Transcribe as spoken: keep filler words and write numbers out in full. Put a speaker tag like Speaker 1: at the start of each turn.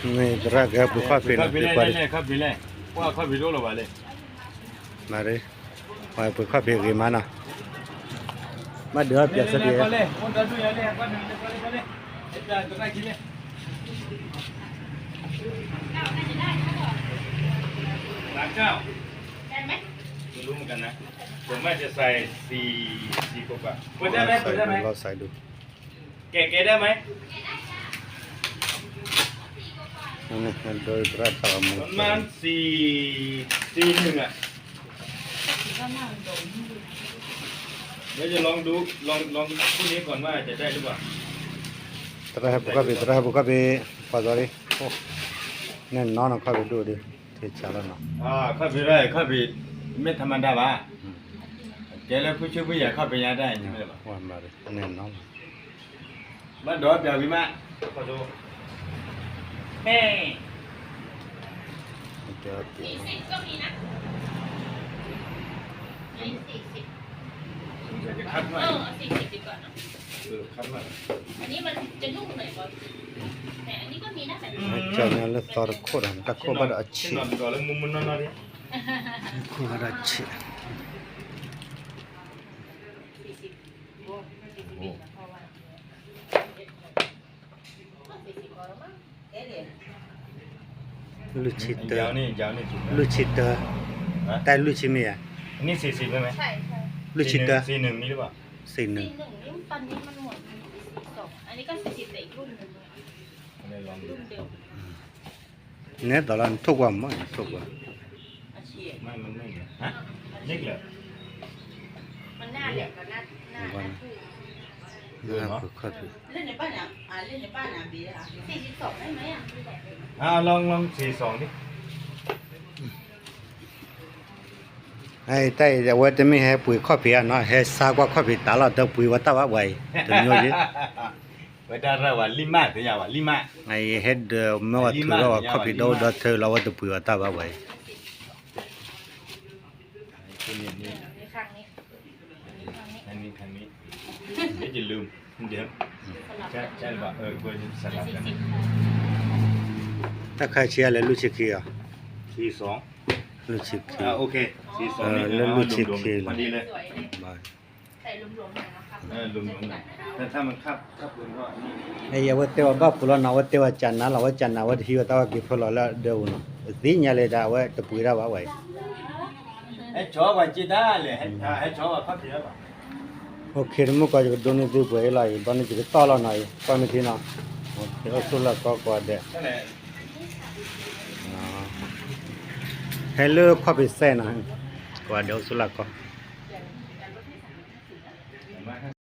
Speaker 1: नहीं तरह का बुखा पीना
Speaker 2: पेपर नहीं खा पी लेว่าखा पी लो लो वाले
Speaker 1: मारे वहाँ बुखा पी गई माना मैं ढेर प्यासा दिया
Speaker 2: ले कौन दादू यार ले कौन ले ले ले इतना तो ना किलेร้านเจ้าได้ไหมไม่รู้เหมือนกันนะผมว่าจะใส่สี่สี่กว่าเปิดได้ไหมเปิดได้ไหม
Speaker 1: เราใส่ดู
Speaker 2: แกะแกะได้ไหม
Speaker 1: นี่มันโดยประสาม
Speaker 2: ประมาณสี่สี่หนึ่งอ่ะเดี๋ยวจะลองดูลองลองพรุ่งนี้ก่อนว่าจะได้หรือเปล่า
Speaker 1: तरह बुखा पी तरह बुखा पी पजारी ओ नहीं नॉन बुखा पी दो दे ठीक चला ना
Speaker 2: อ่าข้าไปได้ข้าไปไม่ธรรมดาป่ะแกแล้วผู้ช่วยผู้ใหญ่เข้าไปยังได้ใช่ไหมล่ะ
Speaker 1: วันมาเลยนี่น้อง
Speaker 2: บ้านดอยเปียกวิมะขอดูแม่
Speaker 1: เดี๋ยวเดี๋ยว
Speaker 3: สี่สิบก็มีนะนี่สี่สิบ
Speaker 2: จะคัดหน่อย
Speaker 3: เออสี่สิบดีกว่าเนอะ
Speaker 2: เออคัดหน่อย
Speaker 3: อันนี้มันจะนุ่มหน่อยก่อนแต่อันนี้ก็มีนะแบบนี้
Speaker 1: अच्छा ने तोर खोर हम तक को बड़ा अच्छी
Speaker 2: นอนก่อนแล้วมุมมันนอนๆดิ
Speaker 1: को बड़ा अच्छी
Speaker 3: สี่สิบโอ้สี่สิบพอวันสี่สิบพอแล้วมั้งเอ๊ะเดี๋ยว
Speaker 1: ลูชิเตอย
Speaker 2: าวนี่ยาวนี่จุด
Speaker 1: ลูชิเตอแต่ลูชิมีอ่ะ
Speaker 2: อันนี้สี่สิบใช่ไหม
Speaker 3: ใช่ใช่
Speaker 1: ลูชิเตอ
Speaker 2: สี่หนึ่งมีหรือเปล่า
Speaker 1: สี่หนึ่
Speaker 3: สี่
Speaker 1: ง
Speaker 3: หนึ่งนี่ตอนนี้มันหมดสี่สองอันนี้ก็สี่สิบแต่อีกรุ่นหนึ่ง
Speaker 2: อะไรลองดู
Speaker 3: รุ่นเดียว
Speaker 1: เนี่ยตอนนั้นทุกวันมั้งทุกวัน
Speaker 3: อาชีพ
Speaker 2: ไม่มันไม่เหรอฮะเล็กเหรอ
Speaker 3: มันหน้าเด็กกับหน้าหน้าหน้าคู่
Speaker 1: นะบุคคล
Speaker 4: เล่นในบ้านอ่ะอ่าเล่นในบ้านอ่ะบีอ่ะ
Speaker 3: สี่สิบสองได้ไหมอ่ะ
Speaker 2: อ่าลองลองสี่สองดิ
Speaker 1: ไอ้แต่ว่าจะไม่ให้ปุ๋ยข้อเพียเนาะให้ซากว่าข้อเพียตาเราเดินปุ๋ยว่าตาว่าไว้ถึงอยู่ดิ
Speaker 2: เวลาเราว่าลิมาถึงยาวว่าลิมา
Speaker 1: ไอ้เฮ็ดไม่ว่าถือว่าข้อเพียเราเดินเธอเราว่าเดินปุ๋ยว่าตาว่าไว้
Speaker 2: ตัวนี้นี่
Speaker 3: ในครั้งนี้อันนี้ครั้งนี้
Speaker 2: อันนี้ครั้งนี้เดี๋ยวจะลืมเดี๋ยว
Speaker 3: สลับ
Speaker 2: ใช่ใช่ป่ะเออควรสลับกัน
Speaker 3: สี่สิบ
Speaker 1: ถ้าใครเชียร์แล้วลูกชิคีอ่ะ
Speaker 2: สี่สอง
Speaker 1: ลูกชิคี
Speaker 2: อ่าโอเคสี่สองนี่
Speaker 1: เออแล้วลูกชิด
Speaker 2: รวม
Speaker 1: เคเลย
Speaker 2: ๆพอดีเลย
Speaker 3: สวยเลย
Speaker 1: บาย
Speaker 3: ใส่รวมๆหน่อยนะครับ
Speaker 2: เออรวมๆหน่อยแต่ถ้ามันคับคับรวมก็นี่
Speaker 1: ไอ้ยาวเตว่าบ้าปุลนาวัตเตว่าจันนาลาวัจันนาวัตฮิวตาว่ากิฟลอละเดวนะสิญญาเลดาว่าตะปุยราว่าไว้
Speaker 2: ให้ชอบว่าจีด้าเลยให้ให้ชอบว่าคับเยอะป่ะ
Speaker 1: โอเคมุก็จะโดนดูไปไล่ตอนนี้จะต่อแล้วหน่อยตอนนี้ทีนะโอเคเอาสุละก็ก็เด้
Speaker 2: นั่นแหละ
Speaker 1: ให้เลิกข้อไปเส้นนะก็เดี๋ยวสุละก็